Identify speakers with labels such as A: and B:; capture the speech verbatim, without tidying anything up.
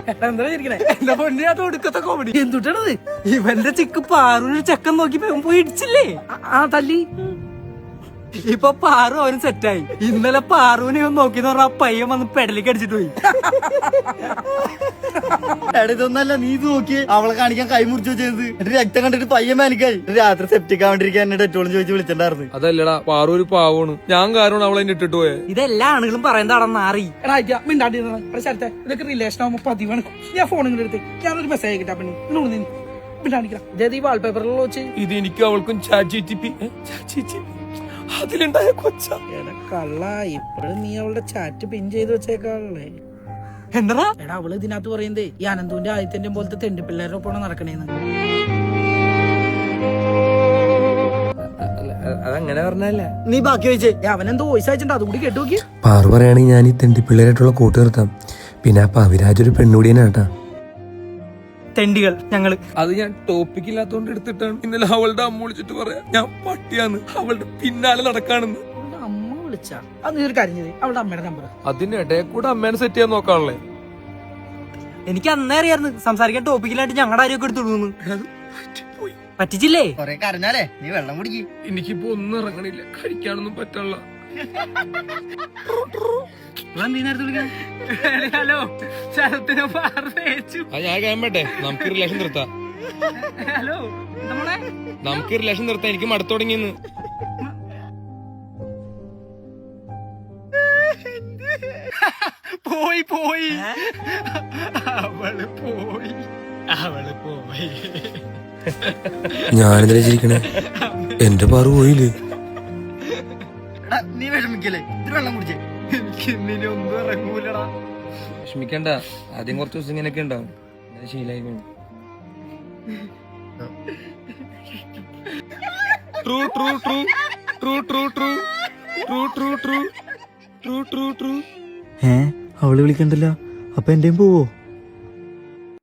A: എന്റെ പൊന്നിനകത്ത് ഒടുക്കത്തെ കോമഡി എന്തുട്ടാണത്? ഇവന്റെ ചിക്ക് പാറൂര് ചെക്കൻ നോക്കി പോയി ഇടിച്ചില്ലേ? ആ തല്ലി. ഇപ്പൊ പാറു അവന് സെറ്റായി. ഇന്നലെ പാറുവിനെ ഇവൻ നോക്കിന്ന് പറഞ്ഞ ആ പയ്യൻ വന്ന് പെടലിക്ക് അടിച്ചിട്ട് പോയി.
B: ഇതൊന്നല്ല, നീ ഇത് നോക്കി അവളെ കാണിക്കാൻ കൈ മുറിച്ചു വെച്ചത്. എന്നിട്ട് രക്തം കണ്ടിട്ട് പയ്യൻ മാനിക്കായി. രാത്രി സെപ്റ്റിക് ആവാണ്ടിരിക്കാൻ എന്നെ ഡെറ്റോളും ചോദിച്ച് വിളിച്ചിട്ടുണ്ടായിരുന്നു.
C: അതല്ലടാ, പാറു ഒരു പാവാണ്. ഞാൻ കാരണം അവളെ ഇട്ടിട്ട് പോയെ.
A: ഇതെല്ലാ ആണുങ്ങളും പറയുന്നതാണെന്ന് മാറി.
D: ഇതൊക്കെ റിലേഷൻ ആവുമ്പോ പതിവാണ്. ഞാൻ ഫോണിൽ എടുത്ത് ഞാനൊരു മെസ്സേജ് കിട്ടാ പെണ്ണു വാൾപേപ്പറിൽ വെച്ച്
C: ഇത് എനിക്ക് അവൾക്കും അതിലുണ്ടായ കൊച്ച
D: കള്ള. ഇപ്പഴും നീ അവളുടെ ചാറ്റ് പിൻ ചെയ്ത് വെച്ചേക്കാളേ.
A: എന്താ
D: എടാ അവള് ഇതിനകത്ത് പറയുന്നേ ഈ അനന്തുവിന്റെ ആദിത്യന്റെ പോലത്തെ തെണ്ടി പിള്ളേരുടെ ഒപ്പം നടക്കണേന്ന്.
A: അതങ്ങനെ പറഞ്ഞല്ല.
B: നീ ബാക്കി വെച്ചേ.
D: അവനെന്തോ വോയിസ് അയച്ചിട്ടുണ്ട്, അതുകൂടി കേട്ടു നോക്കി.
E: പാറു പറയുകയാണെങ്കിൽ ഞാൻ ഈ തെണ്ടിപ്പിള്ളേരായിട്ടുള്ള കൂട്ട് നിർത്താം. പിന്നെ ആ പവിരാജ് ഒരു പെണ്ണുകൂടിയനാട്ടാ.
A: തെണ്ടികൾ ഞങ്ങള്.
C: അത് ഞാൻ ടോപ്പിക് ഇല്ലാത്തോണ്ട് എടുത്തിട്ടാണ്. ഇന്നലെ അവളുടെ അമ്മ വിളിച്ചിട്ട് പറയാ ഞാൻ പട്ടിയാന്ന്, അവളുടെ പിന്നാലെ നടക്കാണെന്ന്.
D: അമ്മ വിളിച്ചാ അത് നീ ഒരു കാര്യം അവളുടെ അമ്മയുടെ നമ്പർ.
C: അതിനിടയിൽ കൂടെ അമ്മേനെ സെറ്റ് ചെയ്യാൻ നോക്കാണല്ലേ.
A: എനിക്ക് അന്നേ അറിയായിരുന്നു സംസാരിക്കാൻ ടോപ്പിക്കിലായിട്ട് ഞങ്ങളുടെ ആരെയൊക്കെ എടുത്തിടുന്നു. പറ്റിച്ചില്ലേ?
B: കൊറേ കരഞ്ഞാലേ നീ വെള്ളം കുടിക്കും.
C: എനിക്കിപ്പോ ഒന്നും ഇറങ്ങണില്ല, കഴിക്കാനൊന്നും പറ്റുള്ള.
A: ഹലോ
C: ഞാൻ കഴിയട്ടെ, നമുക്ക് റിലേഷൻ നിർത്താം.
A: ഹലോ
C: നമുക്ക് റിലേഷൻ നിർത്താം, എനിക്ക് മടുത്തു തുടങ്ങിയെന്ന്.
A: പോയി പോയി അവള് പോയി അവള് പോയി.
E: ഞാനെന്തിനാ ചിരിക്കണേ? എന്റെ പാറു പോയില്ലേ?
B: നീ വിഷമിക്കല്ലേ, ഇത്തിരി വെള്ളം കുടിച്ചേ.
A: എനിക്ക് ഇന്നിനി ഒന്നും ഇറങ്ങൂലടാ.
C: വിഷമിക്കണ്ട, ആദ്യം കുറച്ച് ദിവസം ഇങ്ങനെയൊക്കെ ഉണ്ടാവും, ശീലായി. True true true true true true true true true true true true.
B: ഏ അവള് വിളിക്കണ്ടല്ലോ, അപ്പൊ എന്റെയും പോവോ?